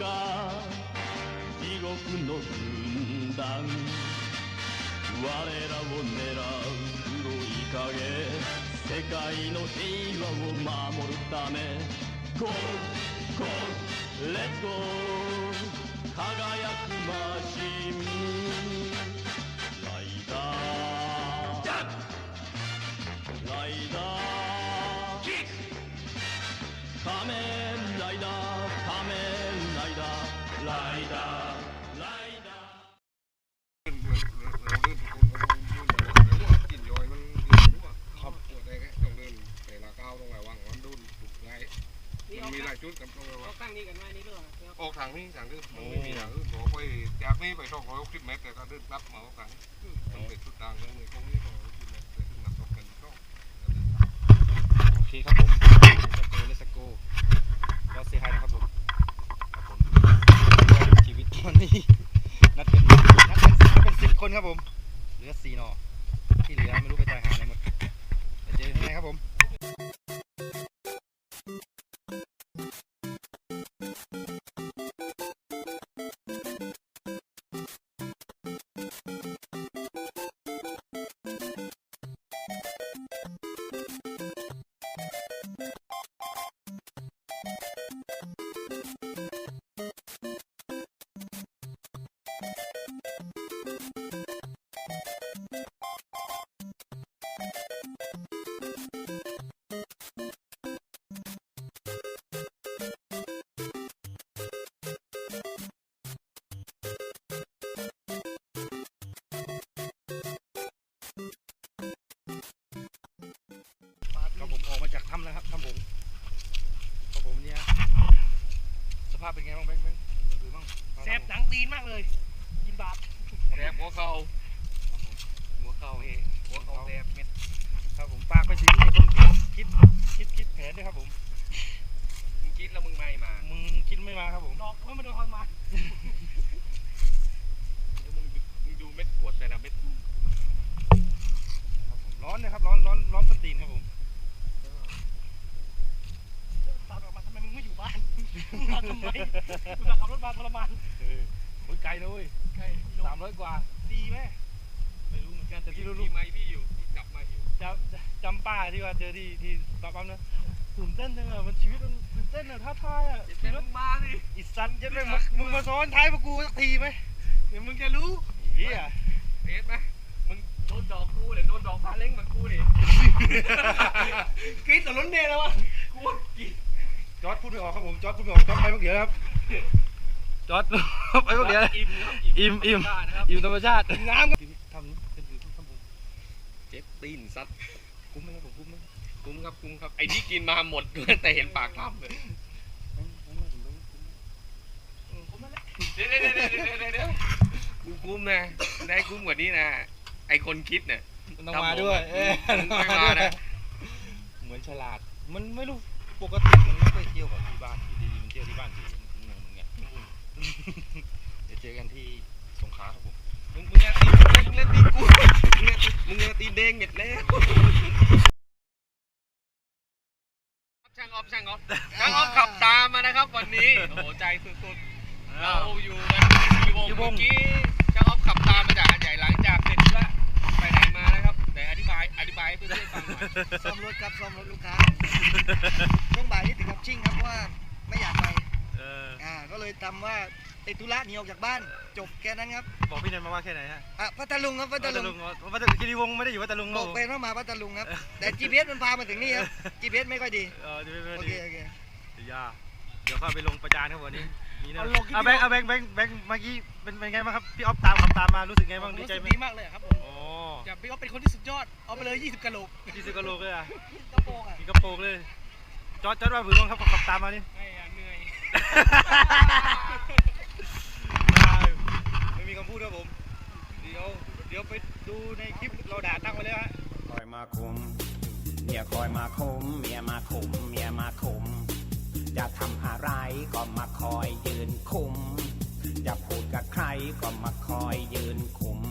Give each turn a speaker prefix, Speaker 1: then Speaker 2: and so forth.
Speaker 1: か地獄の軍団我らを狙う黒い影世界の平和を守るためゴーゴーレッツゴー輝くマシンライダーライダーキック仮面ライダー仮面ライダーライダーライダ
Speaker 2: กินย้อยมันครับปวดได้แค่ต้องเดินแต่ละก้าวต้องระวังมันโดนถูกไล่มันมีหลายจุดกับต้องระวัง
Speaker 3: ตั้งนี้กันไว้นี่เรื่อง
Speaker 2: ออกทางนี้ทางนี้มันไม่มีทางอื่นบอกไปจากนี้ไป260 เมตรแต่ก็เดินกลับมาทางมันเป็นชุดทางเลยตรงนี้260 เมตรแต่ถึงนักตกกันช่องโอเคครับผมเลสโก้ก็เซฮายนะครับผมชีวิตวันนี้นัดเป็น10 คนครับผมเหลือ4 นอที่เหลือไม่รู้ไปตายหาไหนหมดไปเจอข้างในครับผมก็ผมออกมาจากถ้ำแล้วครับถ้ำผมก็ผมเนี่ยสภาพเป็นไงบ้างแบงค์ดูบ้าง
Speaker 3: แสบหนังตีนมากเลยกินบาป
Speaker 2: แสบหัวเข่าเฮ้หัวเข่าแสบเม็ด
Speaker 3: ครับผมฝากไปถึงไอ้คนคิดแผนด้วยครับผม
Speaker 2: มึงคิดแล้วมึงไม่มา
Speaker 3: มึงคิดไม่มาครับผมดอกไม่มาโดนคอยมา
Speaker 2: แล้วมึงดูเม็ดขวดแต่ละเม็ด
Speaker 3: ร้อนเลยครับร้อนส้นตีนครับผมตามออกมาทำไมมึงไม่อยู่บ้านมาทำไมกูจะขับรถมาทรมาน
Speaker 2: โอ้ยไกลนะเว้ย
Speaker 3: ใช่
Speaker 2: 300 กว่า
Speaker 3: ดีไหมไม่รู้เหมือนกันแต่ที่รู้
Speaker 2: มีไม้พี่อยู่ที่จับมาอยู่
Speaker 3: จำป้าที่ว่าเจอที่ตอนปั๊มนะตื่นเต้นจังอะมันชีวิตมันตื่นเต้นอะท้าทายอะ
Speaker 2: เจ็บมึงมาดิ
Speaker 3: อิสันจะไม่มึงมาซ้อนท้ายพวกกูสักทีไหมเดี๋ยวมึงจะรู้เฮีย
Speaker 2: เอ็ดไหมมึงโดนดอกกูหรือโดนดอกพาเล้งเหมือนกูดิ
Speaker 3: กรี๊ดแต่ล้นเดนแล้ววะ
Speaker 2: กูกิน
Speaker 3: จอร์ดพูดไม่ออกครับผมจอร์ดพูดไม่ออกจอร์ดไปเมื่อกี้ครับจอร์ดไปเมื่อกี้ อิ่มธรรมชาติน้ำทำเป็นทำผม
Speaker 2: เจ็บตีนซัด
Speaker 3: คุ้มไหมครับผมคุ้มไหม
Speaker 2: คุ้มครับไอ้ที่กินมาหมดแต่เห็นปากถ้ำเลยเดี๋ยวกูคุ้มนะได้คุ้มกว่านี้นะไอ้คนคิดเนี่ย
Speaker 3: มันต้องมาด้วย
Speaker 2: ไม่มานะ
Speaker 3: เหมือนฉลาดมันไม่รู้ปกติมันไม่เคยเที่ยวกับที่บ้านอยู่ดีมันเที่ยวที่บ้านอยู่งงไงเดี๋ยวเจอกันที่สงขลาครับผม
Speaker 2: มึงอย่าตีมึงเล่นตีกูมึงอย่าตีเด้งเม็ดแล้วช่างออฟขับตามมานะครับวันนี้โอ้โหใจสุดๆเราอยู่กันกี่วงเมื่อกี้ช่างออฟขับตามมาจากหาดใหญ่หลังจากเสร็จแล้วไปไหนมานะครับแต่อธิบายให้เพื่อนๆฟังหน่อย
Speaker 4: ซ่อมรถครับซ่อมรถลูกค้าช่วงบ่ายนี่ถึงกับชิ่งครับเพราะว่าไม่อยากไปก็เลยทำว่าติดธุระหนีออกจากบ้านจบแค่นั้นครับ
Speaker 3: บอกพี่เนนมาว่าแค่ไหนฮะ
Speaker 4: พัทลุงครับพัทลุง
Speaker 3: คีรีวงศ์ไม่ได้อยู่พัทลุง
Speaker 4: บอกเป็นว่ามาพัทลุงครับแต่ GPS มันพามาถึงนี่ครับ GPS ไม่ค่อยดีโอเคเ
Speaker 3: ดี๋ยวเข้าไปลงประจานครับวันนี้แบงค์เมื่อกี้เป็นไงบ้างครับพี่ออฟขับตามมารู้สึกไงบ้างดีใจไหม
Speaker 4: ดีมากเลยครับผม
Speaker 3: อย่
Speaker 4: าพี่ออฟเป็นคนที่สุดยอดเอาไปเลย20 กะโหลก
Speaker 3: 20 กะโหลกเลยอ่ะ
Speaker 4: กระโปงอ่ะ
Speaker 3: มีกระโปรงเลยจอดว่าผืนบ้างครับขับตามมานี่
Speaker 4: เหนื่อย
Speaker 3: ไม่มีคำพูดครับผมเดี๋ยวไปดูในคลิปเราด่าตั้งไว้แล้วฮะ
Speaker 5: คอยมาคุมเมียคอยมาคุมเมียมาคุมเมียมาคุมจะทำอะไรก็มาคอยยืนคุมจะพูดกับใครก็มาคอยยืนคุม